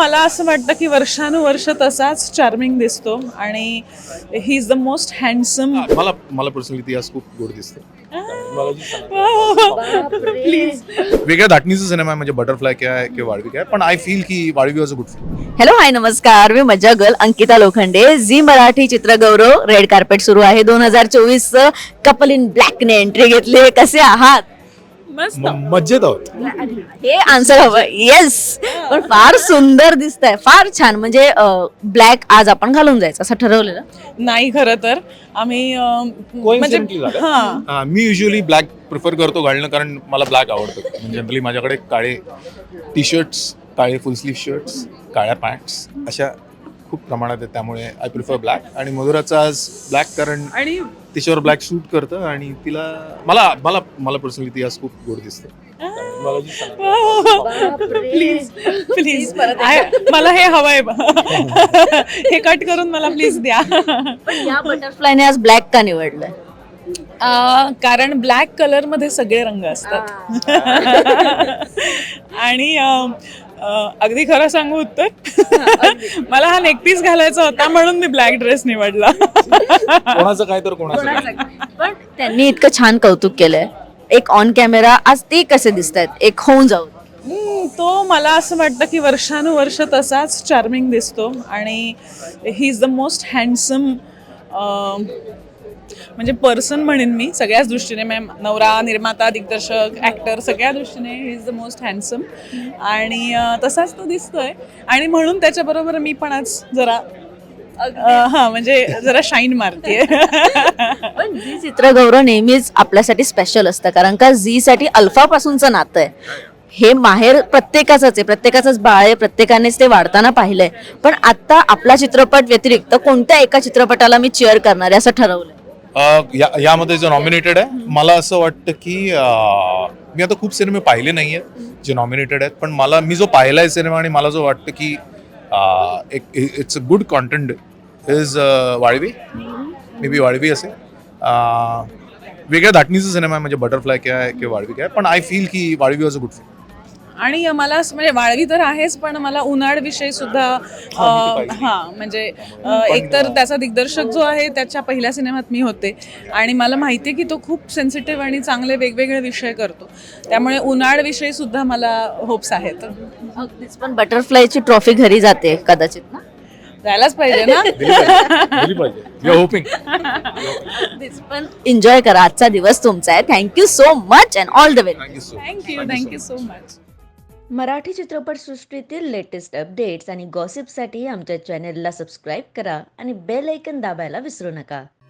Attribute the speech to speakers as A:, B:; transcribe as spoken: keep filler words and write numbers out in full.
A: मला असं वाटतं की वर्षानुवर्ष तसाच चार्मिंग दिसतो आणि he is the most handsome.
B: मला मला पर्सनली ती आज खूप गोड दिसते.
A: प्लीज.
B: वेगळ्या धाटणीचा सिनेमा आहे, म्हणजे बटरफ्लाय काय आहे किंवा वाळवी काय आहे, पण आय फील की Valvi was a good film.
C: Hello hi नमस्कार, मी Majja girl Ankita Lokhande. Zee Marathi Chitragaurav red carpet सुरू आहे. दोन हजार चोवीस कपल इन ब्लॅकने एंट्री घेतली. कसे आहात?
A: मस्त.
B: म- मज्जेत आहोत.
C: हे आन्सर हवं. येस, पण फार सुंदर दिसतंय, फार छान. म्हणजे ब्लॅक आज आपण घालून जायचं असं ठरवलेलं.
A: नाही खरं तर आम्ही अं, म्हणजे
B: Coincidentally झालं.
A: हा
B: हा, मी युजली ब्लॅक प्रिफर करतो घालणं, कारण मला ब्लॅक आवडतं. म्हणजे जनरली माझ्याकडे काळे टी शर्ट्स, काळे फुल स्लीव शर्ट्स, काळ्या पॅन्ट्स अशा खूप प्रमाणात आहेत, त्यामुळे आय प्रिफर ब्लॅक. आणि मधुराचा आज ब्लॅक, कारण
A: आणि
B: तिच्यावर ब्लॅक सूट करतं आणि तिला मला मला मला पर्सनली ती आज खूप गोड दिसते.
A: प्लीज प्लीज मला हे हवंय. हे कट करून मला प्लीज द्या.
C: पण या बटरफ्लायने आज ब्लॅक का निवडलंय?
A: अं, कारण ब्लॅक कलर मध्ये सगळे रंग असतात. आणि अं, अं, अगदी खरं सांगू उत्तर, मला हा नेकपीस घालायचा होता म्हणून मी ब्लॅक ड्रेस निवडला.
B: कोणाचं काय तर कोणाचं काय.
C: पण त्यांनी इतकं छान कौतुक केलंय एक ऑन कॅमेरा, आज ते कसे दिसत आहेत एक होऊन जाऊन?
A: हम्म, तो मला असं वाटतं की वर्षानुवर्ष तसाच चार्मिंग दिसतो आणि he is the most handsome म्हणजे पर्सन म्हणेन मी सगळ्याच दृष्टीने. मॅम नवरा, निर्माता, दिग्दर्शक, ॲक्टर सगळ्या दृष्टीने he is the most handsome आणि अं, तसाच तो दिसतोय. आणि म्हणून त्याच्याबरोबर मी पण आज जरा अं, हा म्हणजे जरा शाईन मारते.
C: पण झी चित्रगौरव नेहमीच आपल्यासाठी स्पेशल असतं, कारण का झी साठी अल्फा पासूनचं नातं आहे. हे माहेर प्रत्येकाचंच आहे, प्रत्येकाचंच बाळ आहे, प्रत्येकानेच ते वाढताना पाहिलंय. पण आता आपला चित्रपट व्यतिरिक्त कोणत्या एका चित्रपटाला मी चेअर करणार आहे असं ठरवलंय?
B: अ, या यामध्ये जो नॉमिनेटेड आहे, मला असं वाटतं की अ, मी आता खूप सिनेमे पाहिले नाही आहेत जे नॉमिनेटेड आहेत, पण मला मी जो पाहिला आहे सिनेमा आणि मला जो वाटतं की अ, एक it's a good content is Valvi. May be वाळवी असेल. अ, वेगळ्या धाटणीचा सिनेमा आहे, म्हणजे बटरफ्लाय काय आहे किंवा वाळवी काय आहे, पण आय फील की Valvi was a good film.
A: आणि मला असं म्हणजे वाळवी तर आहेच, पण मला उन्हाळ विषयी सुद्धा अं, हा म्हणजे अं, एकतर त्याचा दिग्दर्शक जो आहे त्याच्या पहिल्या सिनेमात मी होते आणि मला माहिती आहे की तो खूप सेन्सिटिव्ह आणि चांगले वेगवेगळे विषय करतो, त्यामुळे उन्हाळ विषयी सुद्धा मला होप्स आहेत.
C: अगदीच. पण बटरफ्लायची ट्रॉफी घरी जाते कदाचित ना?
A: जायलाच पाहिजे ना.
B: दिली पाहिजे. We are hoping.
C: अगदीच. पण एन्जॉय करा, आजचा दिवस तुमचा आहे. Thank you so much and all the very.
B: Thank you so
A: thank you thank you so much.
C: Marathi चित्रपटसृष्टीतील लेटेस्ट अपडेट्स आणि गॉसिपसाठी आमच्या चॅनेलला सबस्क्राईब करा आणि बेल ऐकन दाबायला विसरू नका.